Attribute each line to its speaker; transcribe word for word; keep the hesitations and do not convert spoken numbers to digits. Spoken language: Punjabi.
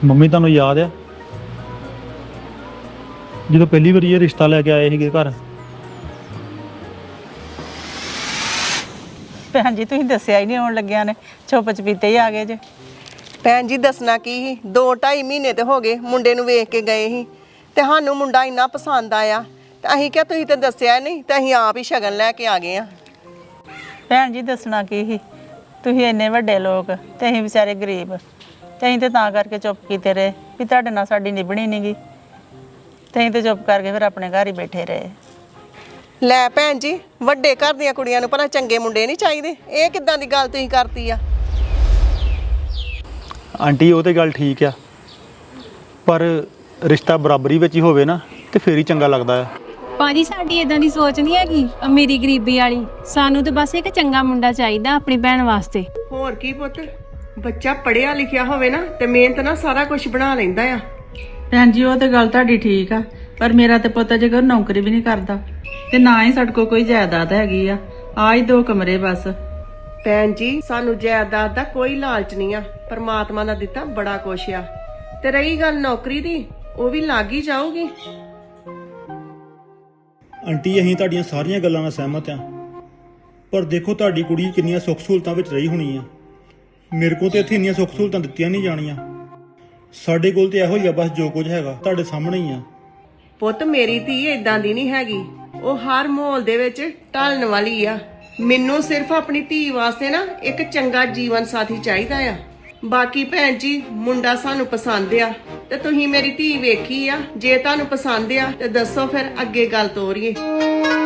Speaker 1: ਮੰਮੀ ਤੁਹਾਨੂੰ ਯਾਦ ਆ ਜਦੋਂ ਪਹਿਲੀ ਵਾਰੀ ਇਹ ਰਿਸ਼ਤਾ ਲੈ ਕੇ ਆਏ ਸੀਗੇ ਘਰ?
Speaker 2: ਭੈਣ ਜੀ ਤੁਸੀਂ ਦੱਸਿਆ ਹੀ ਨਹੀਂ ਆਉਣ ਲੱਗਿਆ ਨੇ, ਚੁੱਪ ਚਪੀਤੇ ਹੀ ਆ ਗਏ ਜੇ।
Speaker 3: ਭੈਣ ਜੀ ਦੱਸਣਾ ਕੀ ਸੀ, ਦੋ ਢਾਈ ਮਹੀਨੇ ਤੇ ਹੋ ਗਏ ਮੁੰਡੇ ਨੂੰ ਵੇਖ ਕੇ ਗਏ ਸੀ ਤੇ ਸਾਨੂੰ ਮੁੰਡਾ ਇੰਨਾ ਪਸੰਦ ਆਇਆ ਤੇ ਅਸੀਂ ਕਿਹਾ ਤੁਸੀਂ ਤਾਂ ਦੱਸਿਆ ਨਹੀਂ ਤੇ ਅਸੀਂ ਆਪ ਹੀ ਸ਼ਗਨ ਲੈ ਕੇ ਆ ਗਏ ਆ।
Speaker 2: ਭੈਣ ਜੀ ਦੱਸਣਾ ਕੀ ਸੀ, ਤੁਸੀਂ ਇੰਨੇ ਵੱਡੇ ਲੋਕ ਤੇ ਅਸੀਂ ਵਿਚਾਰੇ ਗਰੀਬ, ਤੇ ਅਸੀਂ ਤੇ ਤਾਂ ਕਰਕੇ ਚੁੱਪ ਕੀਤੇ ਰਹੇ ਵੀ ਤੁਹਾਡੇ ਨਾਲ ਸਾਡੀ ਨਿਭਣੀ ਨਹੀਂ ਗੀ, ਤੇ ਅਸੀਂ ਤੇ ਚੁੱਪ ਕਰਕੇ ਫਿਰ ਆਪਣੇ ਘਰ ਹੀ ਬੈਠੇ ਰਹੇ।
Speaker 3: ਲੈ ਭੈਣ ਜੀ, ਵੱਡੇ ਘਰ ਦੀਆਂ ਕੁੜੀਆਂ ਨੂੰ ਭਲਾ ਚੰਗੇ ਮੁੰਡੇ ਨਹੀਂ ਚਾਹੀਦੇ? ਇਹ ਕਿੱਦਾਂ ਦੀ ਗੱਲ ਤੁਸੀਂ ਕਰਤੀ ਆ?
Speaker 1: ਆਂਟੀ ਉਹ ਤੇ ਗੱਲ ਠੀਕ ਆ, ਪਰ ਰਿਸ਼ਤਾ ਬਰਾਬਰੀ ਵਿੱਚ ਹੀ ਹੋਵੇ ਨਾ ਤੇ ਫੇਰ ਹੀ ਚੰਗਾ ਲੱਗਦਾ ਆ।
Speaker 4: ਭਾਜੀ ਸਾਡੀ ਇਦਾਂ ਦੀ ਸੋਚ ਨਹੀਂ ਹੈਗੀ ਅਮੀਰੀ ਗਰੀਬੀ ਵਾਲੀ, ਸਾਨੂੰ ਤਾਂ ਬਸ ਇੱਕ ਚੰਗਾ ਮੁੰਡਾ ਚਾਹੀਦਾ ਆਪਣੀ ਭੈਣ ਵਾਸਤੇ।
Speaker 3: ਹੋਰ ਕੀ ਪੁੱਤ, ਬੱਚਾ ਪੜ੍ਹਿਆ ਲਿਖਿਆ ਹੋਵੇ ਨਾ ਤੇ ਮਿਹਨਤ ਨਾਲ ਸਾਰਾ ਕੁਝ ਬਣਾ ਲੈਂਦਾ ਆ।
Speaker 5: ਭੈਣ ਜੀ ਉਹ ਤੇ ਗੱਲ ਤੁਹਾਡੀ ਠੀਕ ਆ, ਪਰ ਮੇਰਾ ਤੇ ਪੁੱਤ ਜੇ ਕੋਈ ਨੌਕਰੀ ਵੀ ਨਹੀਂ ਕਰਦਾ ਤੇ ਨਾ ਹੀ ਸਾਡੇ ਕੋਲ ਕੋਈ ਜਾਇਦਾਦ ਹੈਗੀ ਆ, ਆ ਹੀ ਦੋ ਕਮਰੇ ਬਸ।
Speaker 3: ਭੈਣ ਜੀ ਸਾਨੂੰ ਜਾਇਦਾਦ ਦਾ ਕੋਈ ਲਾਲਚ ਨਹੀਂ ਆ, ਪਰਮਾਤਮਾ ਦਾ ਦਿੱਤਾ ਬੜਾ ਕੁਛ ਆ। ਤੇ ਰਹੀ ਗੱਲ ਨੌਕਰੀ ਦੀ, ਉਹ ਵੀ ਲੱਗ ਹੀ ਜਾਊਗੀ।
Speaker 1: ਆਂਟੀ ਅਸੀਂ ਤੁਹਾਡੀਆਂ ਸਾਰੀਆਂ ਗੱਲਾਂ ਨਾਲ ਸਹਿਮਤ ਆ, ਪਰ ਦੇਖੋ ਤੁਹਾਡੀ ਕੁੜੀ ਕਿੰਨੀਆਂ ਸੁੱਖ ਸਹੂਲਤਾਂ ਵਿੱਚ ਰਹੀ ਹੋਣੀ ਆ। ਮੇਰੇ ਕੋਲ ਤੇ ਇੱਥੇ ਇੰਨੀਆਂ ਸੁੱਖ ਸਹੂਲਤਾਂ ਦਿੱਤੀਆਂ ਨਹੀਂ ਜਾਣੀਆਂ। ਸਾਡੇ ਕੋਲ ਤੇ ਇਹੋ ਹੀ ਆ ਬਸ, ਜੋ ਕੁਝ ਹੈਗਾ ਤੁਹਾਡੇ ਸਾਹਮਣੇ ਹੀ ਆ।
Speaker 3: ਪੁੱਤ ਮੇਰੀ ਧੀ ਇਦਾਂ ਦੀ ਨਹੀਂ ਹੈਗੀ, ਉਹ ਹਰ ਮਾਹੌਲ ਦੇ ਵਿੱਚ ਢਲਣ ਵਾਲੀ ਆ। ਮੈਨੂੰ ਸਿਰਫ ਆਪਣੀ ਧੀ ਵਾਸਤੇ ਨਾ ਇੱਕ ਚੰਗਾ ਜੀਵਨ ਸਾਥੀ ਚਾਹੀਦਾ ਆ। ਬਾਕੀ ਭੈਣ ਜੀ ਮੁੰਡਾ ਸਾਨੂੰ ਪਸੰਦ ਆ ਤੇ ਤੁਸੀਂ ਮੇਰੀ ਧੀ ਵੇਖੀ ਆ, ਜੇ ਤੁਹਾਨੂੰ ਪਸੰਦ ਆ ਤੇ ਦੱਸੋ ਫਿਰ ਅੱਗੇ ਗੱਲ ਤੋਰੀਏ।